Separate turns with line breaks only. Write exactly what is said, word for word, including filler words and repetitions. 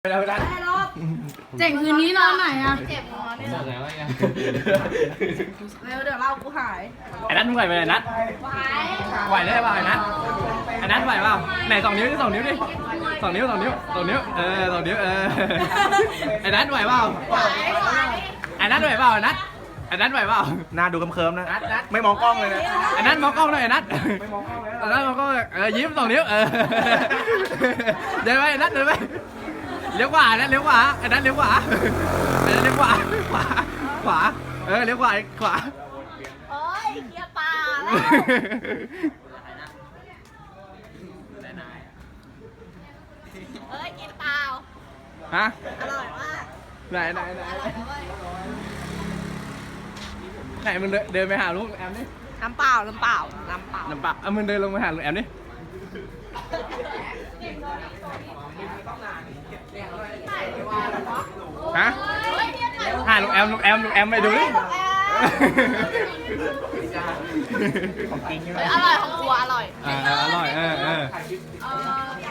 ไปแล้วนะ
เจ๋งคืนนี้นอนไหนอ่ะ
เจ็บงอเนี่ย
บอกแล้วไง
เร็วเดี๋ยวเรากูหาย
ไอ้นัทมึงไหวไหมไอ้นัท
ไหว
ไหวได้เปล่าไอ้นัทไอ้นัทไหวเปล่าไหนสองนิ้วดิสองนิ้วดิสองนิ้วสองนิ้วสองนิ้วเออสองนิ้วเออไอ้นัทไหวเปล่า
ไหวไหว
ไอ้นัทไหวเปล่าไอ้นัทไอ้นัทไหวเปล่า
หน้าดูกำเคิมนะ
นัทนัท
ไม่มองกล้องเลยนะ
ไอ้นัทมองกล้องหน่อยไอ้นัทไอ้นัทมองกล้องเออยิ้มสองนิ้วเออเดินไปไอ้นัทเดินไปเลี้ยวขวาไอ้นัทเลี้ยวขวาไอ้นัทเลี้ยวขวาไอ้นัทเลี้ยวขวาขวาขวาเออเลี้ยวขวาขวา
โอ้ยเกียร์ป่าแล้วเอ้ยกินเปล่า
ฮะ
อร่อยมาก
ไหนไหนไหน
อร่อยนะเว้ย
ไหนมึงเดินเดินไปหาลูกแอมดิ
น้ำเปล่าน้ำเปล่าน้ำเปล่า
น้ำปะเอามึงเดินลงไปหาลูกแอมดิฮะ
เฮ้ยเรียกหน่อย
หาลูกแอมลูกแอมลูกแอมไปดูดิ
ของจริงใช่ไหม
เฮ้ยอร่อยของครัวอร่อย
อ่าอร่อยเออเออ
เออ